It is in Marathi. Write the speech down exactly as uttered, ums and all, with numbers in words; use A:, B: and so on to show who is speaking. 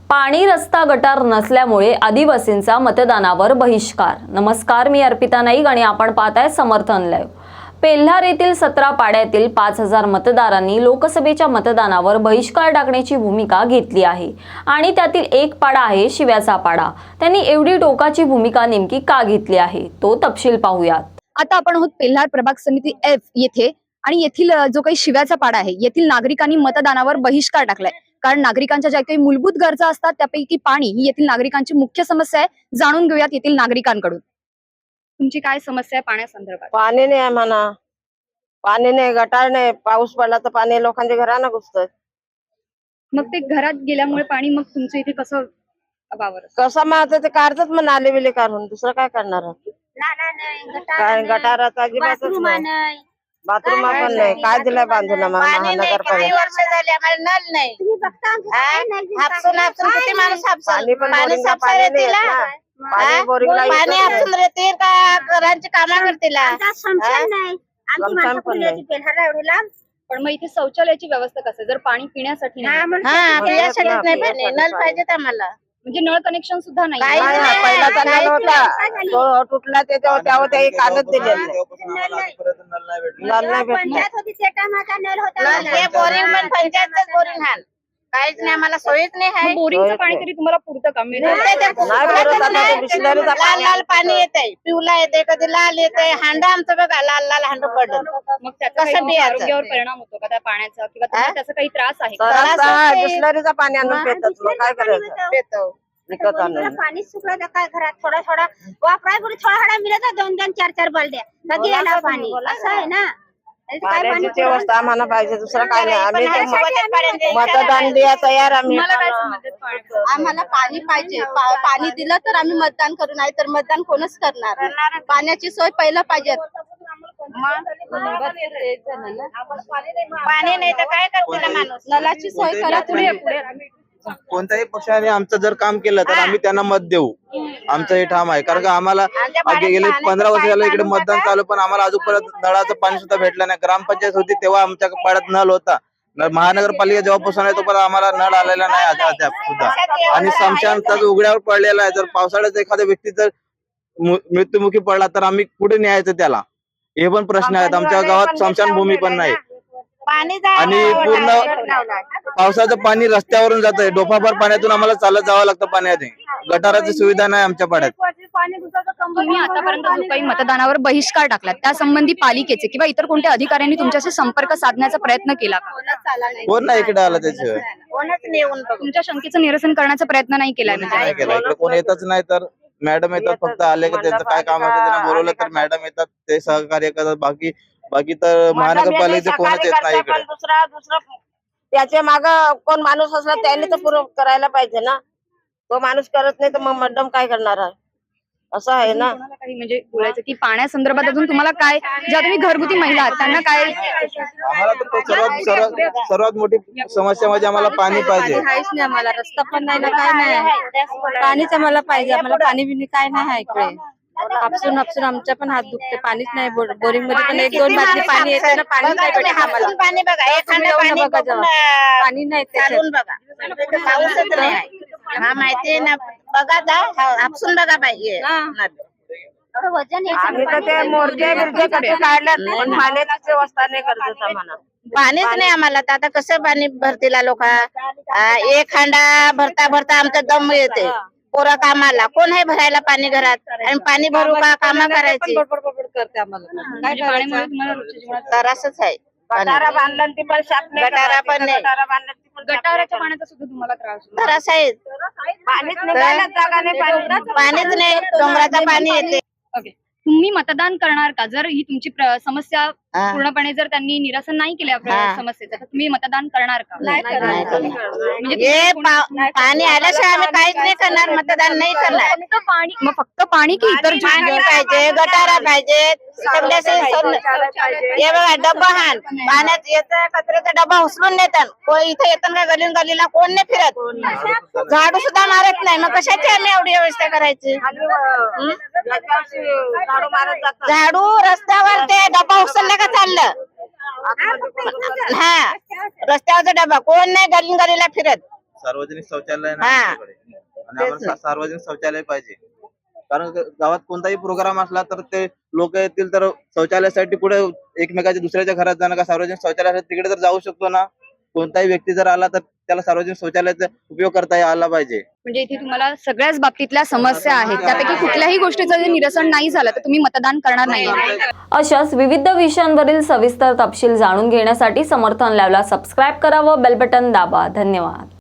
A: पाणी रस्ता गटार नसल्यामुळे आदिवासींचा मतदानावर बहिष्कार। नमस्कार, मी अर्पिता नाईक आणि आपण पाहताय समर्थन लाईव्ह। पेल्हार येथील सतरा पाड्यातील पाच हजार मतदारांनी लोकसभेच्या मतदानावर बहिष्कार टाकण्याची भूमिका घेतली आहे आणि त्यातील एक पाडा आहे शिव्याचा पाडा। त्यांनी एवढी टोकाची भूमिका नेमकी का घेतली आहे तो तपशील पाहूयात।
B: आता आपण आहोत पेल्हार प्रभाग समिती एफ येथे आणि येथील जो काही शिव्याचा पाडा आहे, येथील नागरिकांनी मतदानावर बहिष्कार टाकलाय। कारण नागरिकांच्या ज्या काही मूलभूत गरजा असतात त्यापैकी पाणी ही येथील नागरिकांची मुख्य समस्या आहे। जाणून घेऊयात येथील नागरिकांकडून, तुमची काय समस्या आहे पाण्यासंदर्भात?
C: पाणी नाही आहे म्हणा, पाणी नाही, गटार नाही, पाऊस पडला तर पाणी लोकांच्या घरांना घुसतं।
B: मग ते घरात गेल्यामुळे पाणी मग तुमचं इथे कसं वावर
C: कसं मग ते काढतात मग नाले बिले काढून, दुसरं काय करणार? काय गटाराचा अजिबातच नाही, बाथरूम पण नाही। काय दिलंय बांधून महानगरपालिका?
D: वर्ष झाले आम्हाला नल नाही। हापसून हापसून किती माणूस हापसून पाणी सापसार येतील, पाणी हापसून येतील का घरांची कामं करतील?
B: पण मग इथे शौचालयाची व्यवस्था कसं, जर पाणी पिण्यासाठी नाही?
D: हा, पिण्यासाठीच नाही पाणी, नल पाहिजेत आम्हाला।
B: म्हणजे नळ कनेक्शन सुद्धा नाही?
C: पहिलाचा नल होता तो तुटला, त्याच्यावर त्यावर ते कागद दिलेले नल नाही भेटला।
D: हे बोरिंग पण पंचायतच बोरिंग हाल, काहीच नाही आम्हाला, सोयीच नाही आहे।
B: बोरिंगचं पाणी तरी तुम्हाला पुरतं का?
D: लाल लाल पाणी येते, पिवला येते, कधी लाल येते। हांडा आमचं बघा, लाल लाल हांड पडलं।
B: मग त्याचा
D: कसं
B: काही
D: पियाचं?
B: आरोग्यावर परिणाम होतो का त्या पाण्याचा, किंवा तुम्हाला त्याचा काही त्रास आहे का?
C: त्रास आहे, बिसलरीचं पाणी आणून पितात, मग काय करायचं?
D: पितो
C: विकत आणून
E: पाणी सुकलं काय घरात थोडा थोडा वापराय पुढे थोडा थोडा मिळत, दोन दोन चार चार बलड्या कधी येणार पाणी, असं आहे ना।
C: पाण्याची व्यवस्था आम्हाला पाहिजे, दुसरं काय नाही। आम्ही तर मतदान द्या तयार आम्ही।
B: तुम्हाला काय समजतं पाण्याचं?
D: आम्हाला पाणी पाहिजे, पा- पाणी दिलं तर आम्ही मतदान करू, नाही तर मतदान कोणच करणार? पाण्याची सोय पहिलं पाहिजे। पाणी नाही तर काय करतील माणूस? नलाची सोय करा तुम्ही।
F: कोणत्याही पक्षाने आमचं जर काम केलं तर आम्ही त्यांना मत देऊ, आमचं हे ठाम आहे। कारण का आम्हाला गेले पंधरा वर्ष झालं इकडे मतदान चालू, पण आम्हाला अजूनपर्यंत नळाचं पाणी सुद्धा भेटलं नाही। ग्रामपंचायत होती तेव्हा आमच्या पाड्यात नळ होता, महानगरपालिका जेव्हापासून आहे तोपर्यंत आम्हाला नळ आलेला नाही अद्याप सुद्धा। आणि स्मशानचा उघड्यावर पडलेला आहे, जर पावसाळ्यात एखाद्या व्यक्ती जर मृत्युमुखी पडला तर आम्ही कुठे न्यायचं त्याला, हे पण प्रश्न आहेत। आमच्या गावात स्मशानभूमी पण नाही आणि पूर्ण पावसाचं पाणी रस्त्यावरून जात आहे, डोफाभर पाण्यातून आम्हाला चालत जावं लागतं पाण्यात। गटाराची सुविधा नाही आमच्या पाड्यात।
B: तुम्ही आतापर्यंत जो काही मतदानावर बहिष्कार टाकला त्या संबंधी पालिकेचे किंवा इतर कोणत्या अधिकाऱ्यांनी तुमच्याशी संपर्क साधण्याचा प्रयत्न केला का?
F: कोण नाही इकडे आला त्याशिवाय,
B: तुमच्या शंकेचं निरसन करण्याचा प्रयत्न नाही केलाय?
F: नाही केला इकडे, कोण येतच नाही। तर मॅडम येतात, फक्त आले की त्यांचं काय काम असतं त्यांना बोलवलं तर मॅडम येतात, ते सहकार्य करतात। बाकी बाकी तर महानगरपालिकेचे कोणच येत नाही इकडे।
C: दुसरा दुसरा त्याच्या माग कोण माणूस असला त्याने तर पुरं करायला पाहिजे ना, तो माणूस करत नाही तर मग मॅडम काय करणार आहे, असं आहे ना।
B: काही म्हणजे बोलायचं की पाण्यासंदर्भात अजून तुम्हाला काय, ज्या तुम्ही घरगुती महिला आहात त्यांना काय?
F: आम्हाला तर सर्वात सर्वात सर्वात मोठी समस्या म्हणजे आम्हाला पाणी पाहिजे।
C: काहीच नाही आम्हाला, रस्ता पण नाही ना, काय नाही, पाणीच आम्हाला पाहिजे। आम्हाला पाणी बिनी काय नाही आहे इकडे, हापसून हापसून आमच्या पण हात दुखते, पाणीच नाही। बोरिंग मध्ये पण एक दोन बाटली पाणी येते ना, पाणी नाही भेटत आम्हाला।
D: पाणी बघा, एखादं पाणी बघा,
C: पाणी नाही
D: चालून बघा, पाऊसच नाही आहे। हा माहिती ना, बघा दा हापसून बघा पाहिजे।
C: आम्ही तर ते मोर्चे बिरचे कसे काढल्यात, पण पाण्याची व्यवस्था नाही करत आम्हाला।
D: पाणीच नाही आम्हाला, तर आता कसं पाणी भरतील लोक? एक हांडा भरता भरता आमचा दम येते। पोरा कामाला कोण आहे भरायला पाणी घरात, आणि पाणी भरू का कामं करायची?
C: करते आम्हाला, काय
B: पाण्यामुळे तुम्हाला रोजच्या जीवनात
D: तर असंच आहे।
C: गटारा बांधला ती पण साफ नाही,
D: गटारा पण नाही,
B: गटाराच्या पाण्याचा सुद्धा तुम्हाला त्रास होतो?
D: तर असं आहे,
C: पाणीच नाही, जागा नाही, पाणी
D: पाणीच नाही, डोंगराचं पाणी येते।
B: ओके, तुम्ही मतदान करणार का? जर ही तुमची प्र- समस्या
D: हा.
B: पूर्णपणे जर त्यांनी निरसन नाही केलं आपल्या
D: हा.
B: समस्येचं, तर तुम्ही मतदान करणार का?
D: नाही करणार.
B: म्हणजे
D: हे पा- पाणी आल्याशिवाय आम्ही काहीच नाही करणार, मतदान नाही करणार।
B: फक्त पाणी, मग फक्त पाणी की इतर जे-
D: पाणी पाहिजे, गटारा पाहिजे, सगळ्याचे हे बघा डब्बा हान पाण्यात येतं, कचऱ्याचा डब्बा उचलून नेतात, कोण इथे येतात का गलीन गलीला कोण नाही फिरत, झाडू सुद्धा मारत नाही, मग कशाची आम्ही एवढी व्यवस्था करायची? झाडू रस्त्यावर ते डब्बा उचलला का चाललं, हा रस्त्यावरचा डबा कोण नाही गलीन गलीला फिरत,
F: सार्वजनिक शौचालय नाही
D: हा.
F: आमच्याकडे. आणि आम्हाला सा- सार्वजनिक शौचालय पाहिजे. कारण ग- गावात कोणताही प्रोग्राम असला तर ते लोक येतील तर शौचालयासाठी पुढे एकमेकाच्या दुसऱ्याच्या घरात जाणं का सार्वजनिक शौचालय आहे तिकडे तर जाऊ शकतो ना. कोणताही व्यक्ती जर आला तर त्याला सार्वजनिक शौचालयाचा उपयोग करता आला पाहिजे.
B: म्हणजे इथे तुम्हाला सगळ्याच बाबतीतल्या समस्या आहेत, त्यापैकी कुठल्याही गोष्टीचं जर निरसन नाही झालं तर तुम्ही मतदान करणार नाही.
A: अशाच विविध विषयांवरील सविस्तर तपशील जाणून घेण्यासाठी समर्थन लाईव्हला सबस्क्राईब करा व बेल बटन दाबा. धन्यवाद.